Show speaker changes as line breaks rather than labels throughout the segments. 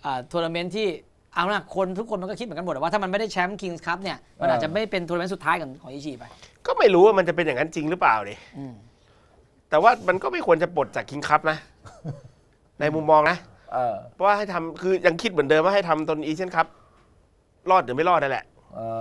ทัวร์นาเมนต์ที่เอาล่ะคนทุกคนมันก็คิดเหมือนกันหมดว่าถ้ามันไม่ได้แชมป์คิงส์คัพเนี่ยมันอาจจะไม่เป็นทัวร์นาเมนต์สุดท้ายของอิชิไป
ก็ไม่รู้ว่ามันจะเป็นอย่างนั้นจริงหรือเปล่าดิแต่ว่ามันก็ไม่ควรจะปลดจากคิงส์คัพนะ ในมุมมองนะเพราะว่าให้ทำคือยังคิดเหมือนเดิมว่าให้ทำตนเอเชียนคัพรอดหรือไม่รอดนั่นแหละ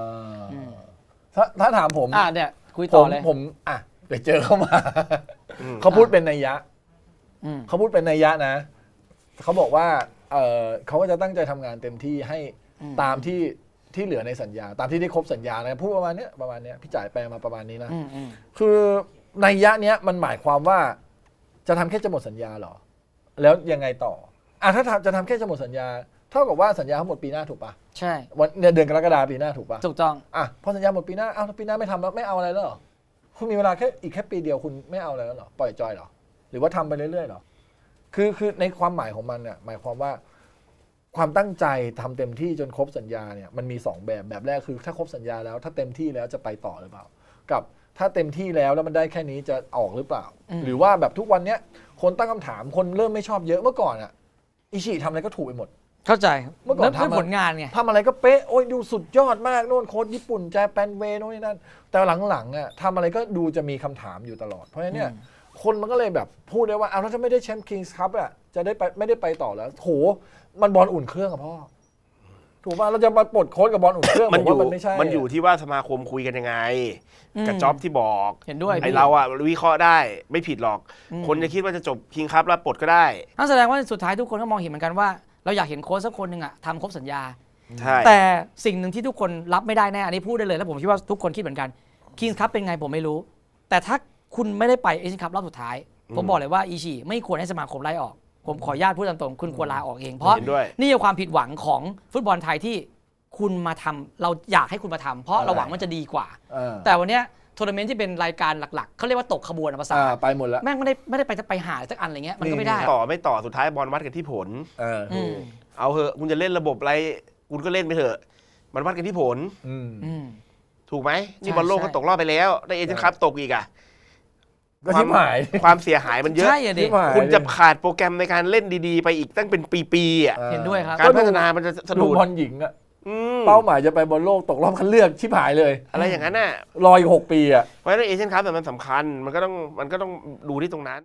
ถ้าถามผม
เนี่ยคุยต่อเลย
ผมไปเจอเข้ามาเขาพูดเป็นนัยยะเขาพูดเป็นนัยยะนะเขาบอกว่าเขาก็จะตั้งใจทำงานเต็มที่ให้ตามที่เหลือในสัญญาตามที่ได้ครบสัญญานะพูดประมาณนี้พี่จ่ายแปลมาประมาณนี้นะคือนัยยะเนี้ยมันหมายความว่าจะทำแค่จะหมดสัญญาเหรอแล้วยังไงต่อถ้าจะทำแค่จะหมดสัญญาเท่ากับว่าสัญญาเขาหมดปีหน้าถูกปะ
ใช่
วันเดือนกรกฎาคมปีหน้าถูกปะ
ถูกต้อง
พอสัญญาหมดปีหน้าปีหน้าไม่ทำแล้วไม่เอาอะไรแล้วเหรอคุณมีเวลาแค่ปีเดียวคุณไม่เอาอะไรแล้วเหรอปล่อยจอยเหรอหรือว่าทำไปเรื่อยๆเหรอคือในความหมายของมันเนี่ยหมายความว่าความตั้งใจทำเต็มที่จนครบสัญญาเนี่ยมันมี2แบบแรกคือถ้าครบสัญญาแล้วถ้าเต็มที่แล้วจะไปต่อหรือเปล่ากับถ้าเต็มที่แล้วมันได้แค่นี้จะออกหรือเปล่าหรือว่าแบบทุกวันเนี้ยคนตั้งคำถามคนเริ่มไม่ชอบเยอะเมื่อก่อนอิชิทำอะไรก็ถูกไปหมด
เข้าใจ
เมื่อก่อน
ทำผลงานไง
ทำอะไรก็เป๊ะโอ้ยดูสุดยอดมากโน่นโค้ชญี่ปุ่นแจแปนเวโน่นนี่นั่นแต่หลังๆทำอะไรก็ดูจะมีคำถามอยู่ตลอดเพราะฉะนั้นเนี่ยคนมันก็เลยแบบพูดได้ว่าถ้าไม่ได้แชมป์คิงส์คัพจะได้ไปไม่ได้ไปต่อแล้วโหมันบอลอุ่นเครื่องอะพ่อถูกป่ะเราจะมาปลดโค้ชกับบอลอุ่นเครื่องมันไม่ใช่
มันอยู่ที่ว่าสมาคมคุยกันยังไงกับจ็อบที่บอก
เห็นด้วย
ไอเราวิเคราะห์ได้ไม่ผิดหรอกคนจะคิดว่าจะจบคิงส์คัพแล้วปลดก็ได้
นั่นแสดงว่าสุดท้ายทุกคนก็มองเห็นเหมือนกันว่าเราอยากเห็นโค้ชสักคนหนึ่งทำครบสัญญาแต่สิ่งหนึ่งที่ทุกคนรับไม่ได้แน่อันนี้พูดได้เลยแล้วผมคิดว่าทุกคนคิดเหมือนกันคิงส์คัพเป็นไงผมไม่รู้แต่ถ้าคุณไม่ได้ไปเอเชียนคัพรอบสุดท้ายผมบอกเลยว่าอิชิไม่ควรให้สมาคมไล่ออกผมขออนุญาตพูดตามตรงคุณควรลาออกเองเพราะนี่คือความผิดหวังของฟุตบอลไทยที่คุณมาทำเราอยากให้คุณมาทำเพราะเราหวังมันจะดีกว่าแต่วันนี้ทัวร์นาเมนต์ที่เป็นรายการหลักๆเขาเรียกว่าตกขบวนภาษา
ไปหมดแล้ว
แม่งไม่ได้ไปหาสักอันอะไรเงี้ยมันก็ไม่ได้
ไม่ต่อสุดท้ายบอลวัดกันที่ผลเอาเหอะคุณจะเล่นระบบอะไรคุณก็เล่นไปเถอะมันวัดกันที่ผลถูกไหมนี่บอลโลกก็ตกรอบไปแล้วได้เอเชียนคัพตกอีกความเสียหายมันเยอะคุณจะขาดโปรแกรมในการเล่นดีๆไปอีกตั้งเป็นปีๆ
เห็นด้วยครับ
การพัฒนามันจะสะดุด
บอลหญิงเป้าหมายจะไปบอลโลกตกรอบคัดเลือกชิบหายเลย
อะไรอย่างนั้น
รออีก6 ปี
เพราะฉะนั้นเอเชียนคัพมันสำคัญมันก็ต้องดูที่ตรงนั้น